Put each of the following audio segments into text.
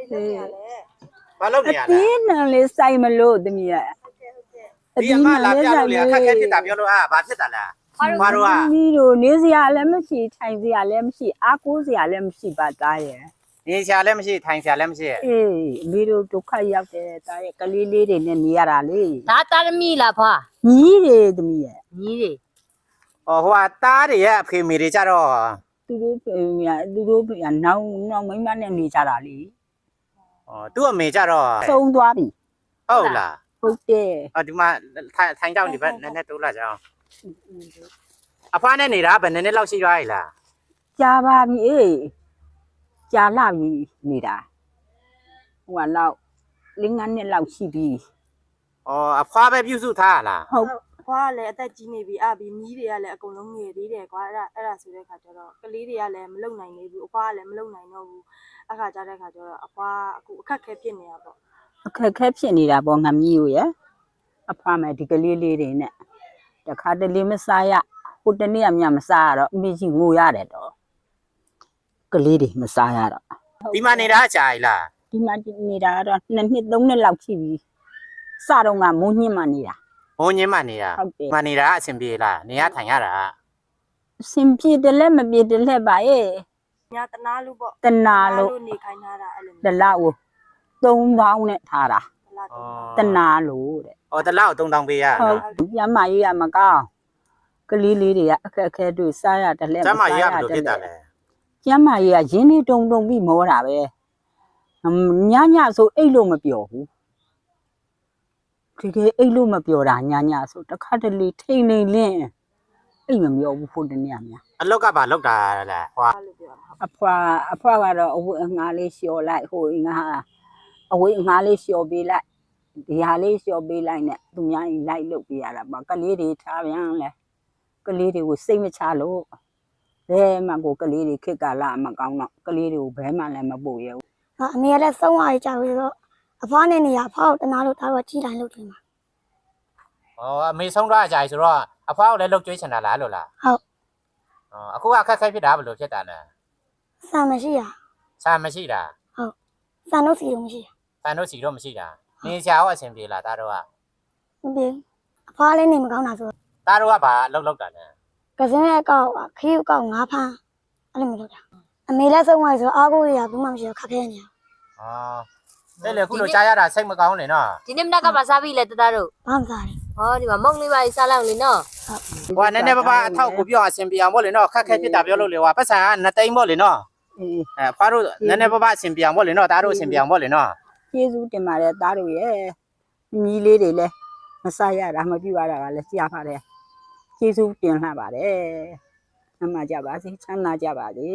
ဘာလုပ်နေရလဲဒီနံလေးစိုက်မလို့တမီးရဒီအမလာပြလို့လေအခက်ခဲဖြစ်တာပြောလို့ဘာဖြစ်တာလဲဘာတို့ကဒီလိုနေစရာလည်းမရှိထိုင်စရာလည်းမရှိအားကိုးစရာလည်းမရှိပါသားရဲ့နေဆရာလည်းမရှိထိုင်ဆရာလည်းမရှိအေးမိတို့ဒုက္ခရောက်တယ်တားရဲ့ကလေးလေးတွေနဲ့နေရတာလေဒါတာသမီလားဖွာညီးတွေတမီးရညီတွေဟိုဟာတားတွေရဲ့အဖေမေတွေကြတော့သူတို့နောက်မိမနဲ့နေကြတာလေသူ့အမေကြတော့သုံးသွားပြီဟုတ်လားဟုတ်တယ်ဒီမှာထိုင်ကြောက်နေပဲနည်းနည်းတိုးလာကြအောင်အဖွားနဲ့နေတာဘယ်နည်းနည်းလောက်ရှိသွားရလားကြာပါပြီအေးကြာလာပြီနေတာဟိုကလောက်5နှစ်လောက်ရှိပြီအဖွားပဲပြုစုထားရလားဟုတ်ဖွားကလည်းအသက်ကြီးနေပြီအပြီးမီးတွေကလည်းအကုန်လုံးငယ်သေးတယ်ကွာအဲ့ဒါဆိုတဲ့ခါကျတော့ကလေးတွေကလည်းမလုံနိုင်နေဘူးအဖွားကလည်းမလုံနိုင်တော့ဘူးအခါကြတဲ့ခါကျတော့အဖွားအခုအခက်ခဲဖြစ်နေတာပေါ့အခက်ခဲဖြစ်နေတာပေါ့ငမကြီးကိုရအဖွားမယ်ဒီကလေးလေးတွေနဲ့တခါတလေမစားရဟိုတနေ့ကမြမစားရတော့အမေကြီးငိုရတယ်တော့ကလေးတွေမစားရတော့ဒီမှာနေတာကြာပြီလားဒီမှာနေတာကတော့2နှစ်3နှစ်လောက်ရှိပြီစတော့ကမိုးညှင်းမှနေတာဘုံညင်းမှနေတာဟုတ်တယ်မနေတာအဆင်ပြေလားနေရထိုင်ရတာအစင်ပြေတယ်လည်းမပြေတယ်လည်းပါရဲ့ညာတနာလို့ပေါ့တနာလို့နေခိုင်းထားတာအဲ့လိုတလောက်ကို3000နဲ့ထားတာလားတော့တနာလို့တဲ့တလောက်3000ပေးရဟုတ်ကျမ်းမာရေးရမကောင်းကလေးလေးတွေကအခက်အခဲတွေစားရတယ်လည်းကျမရဘယ်လိုဖြစ်တာလဲကျမ်းမာရေးကရင်းနှီးတုံပြီးမောတာပဲညဆိုအိတ်လို့မပြောဘူးတကယ်အိတ်လို့မပြောတာညဆိုတခါတလေထိန်နေလင်းအိတ်မပြောဘူးဖို့တနေ့များအလောက်ကဘာလောက်တာလဲဟွာအဲ့လိုပြောတာအဖွာကတော့အဝတ်အငါးလေးလျှော်လိုက်ဟိုငါအဝတ်အငါးလေးလျှော်ပေးလိုက်ဒီဟာလေးလျှော်ပေးလိုက်နဲ့သူများကြီးလိုက်လုပ်ပေးရတာပေါ့ကလေးတွေထားပြန်လဲကလေးတွေကိုစိတ်မချလို့ဘယ်မှကိုကလေးတွေခက်ကလာမကောင်းတော့ကလေးတွေကိုဘယ်မှလည်းမပို့ရဘူးအမေကလည်းသုံးဝါးကြာပြီဆိုတော့အဖွားနဲ့နေရအဖွားကိုတနာလို့ဒါတော့ကြီးတိုင်းလုပ်တယ်မှာအမေဆုံးသွားကြပြီဆိုတော့အဖွားကိုလည်းလှုပ်ကြွေးချင်တာလားလို့လားဟုတ်အခုကအခက်ခဲဖြစ်တာဘယ်လိုဖြစ်တာလဲဆန်မရှိရစာမရှိတာဆန်တို့စီတော့မရှိရဖန်တို့စီတော့မရှိတာနေဆရာရောအဆင်ပြေလားသားတို့ကမပြေအဖွားလည်းနေမကောင်းတာဆိုသားတို့ကဘာလောက်တာလဲကစင်းရဲ့ကောက်ခီးကောက်ငါးဖမ်းအဲ့လိုမျိုးလုပ်တာအမေလည်းသုံးဝါးဆိုအားကိုရဘူးမှမရှိတော့ခက်ခဲနေရတဲ့လေခုလိုကြားရတာစိတ်မကောင်းနေနော်ဒီနေ့မနက်ကပါစားပြီလေတသားတို့ဘာမှစားတယ်ဟောဒီမှာမုံလေးပါစားလိုက်လေနော်ဟိုနည်းနည်းပါးပါအထောက်ကိုပြောအဆင်ပြေအောင်ပေါ့လေနော်ခက်ခဲဖြစ်တာပြောလို့လေဟိုပတ်စံက2သိန်းပေါ့လေနော်အေးအဖွားတို့နည်းနည်းပါးပါအဆင်ပြေအောင်ပေါ့လေနော်သားတို့အဆင်ပြေအောင်ပေါ့လေနော်ကျေးဇူးတင်ပါတယ်သားတို့ရဲ့ညီလေးတွေလည်းမစားရတာမပြူရတာကလည်းကြားပါတယ်ကျေးဇူးတင်လှပါတယ်အမှကြပါစေချမ်းသာကြပါစေ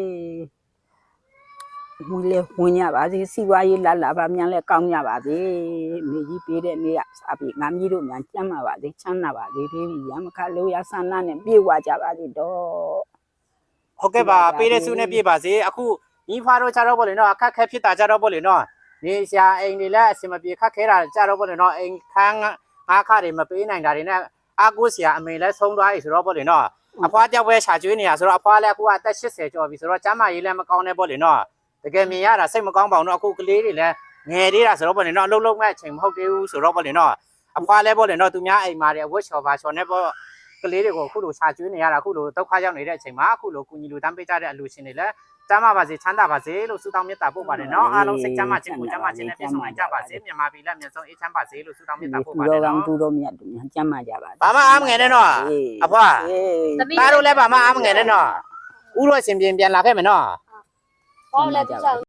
မူလေဝင်ရပါစေစီဝါရေးလာပါမြန်လဲကောင်းကြပါစေမိကြီးပေးတဲ့နေ့ကစားပြီးငါမကြီးတို့မြန်ကျမ်းပါပါစေချမ်းသာပါစေဒီရမခလို့ရဆန္ဒနဲ့ပြေဝကြပါစေတော့ဟုတ်ကဲ့ပါပေးတဲ့စုနဲ့ပြေပါစေအခုညီဖွားတို့ကြတော့ပေါ့လေနော်အခက်ခဲဖြစ်တာကြတော့ပေါ့လေနော်နေဆရာအိမ်တွေလည်းအဆင်မပြေခက်ခဲတာကြတော့ပေါ့လေနော်အိမ်ခန်းငါးခါတွေမပေးနိုင်တာတွေနဲ့အာကိုဆရာအမေလည်းဆုံးသွားပြီဆိုတော့ပေါ့လေနော်အဖွားကြောက်ပဲခြာကျွေးနေရဆိုတော့အဖွားလည်းအခုအသက်80ကျော်ပြီဆိုတော့ကျမ်းမာရေးလည်းမကောင်းနဲ့ပေါ့လေနော်တကယ်မြင်ရတာစိတ်မကောင်းပါဘူးနော်အခုကလေးတွေလည်းငယ်သေးတာဆိုတော့ပေါ့လေနော်အလုံးလုံးမဲ့အချိန်မဟုတ်သေးဘူးဆိုတော့ပေါ့လေနော်အဖွားလည်းပေါ့လေနော်သူများအိမ်မှာတွေအဝတ်ချော်ပါချော်နေပေါ့ကလေးတွေကိုအခုလိုခြာကျွေးနေရတာအခုလိုဒုက္ခရောက်နေတဲ့အချိန်မှာအခုလိုကုညီလူတန်းပေးကြတဲ့အလူရှင်တွေလည်းကျမ်းမာပါစေချမ်းသာပါစေလို့ဆုတောင်းမေတ္တာပို့ပါတယ်နော်အားလုံးစိတ်ကျမ်းမာခြင်းကိုကျမ်းမာခြင်းနဲ့ပြည့်စုံနိုင်ကြပါစေမြန်မာပြည်လက်မြန်ဆုံးအေးချမ်းပါစေလို့ဆုတောင်းမေတ္တာပို့ပါတယ်နော်သူတော်မြတ်သူများကျမ်းမာကြပါစေဘာမှအားမငယ်နဲ့နော်အဖွားသမီးသားတို့လည်းဘာမှအားမငယ်နဲ့နော်ဥရောရှင်ပြန်လာခဲ့မယ်နော်ဟောလည်းပြစား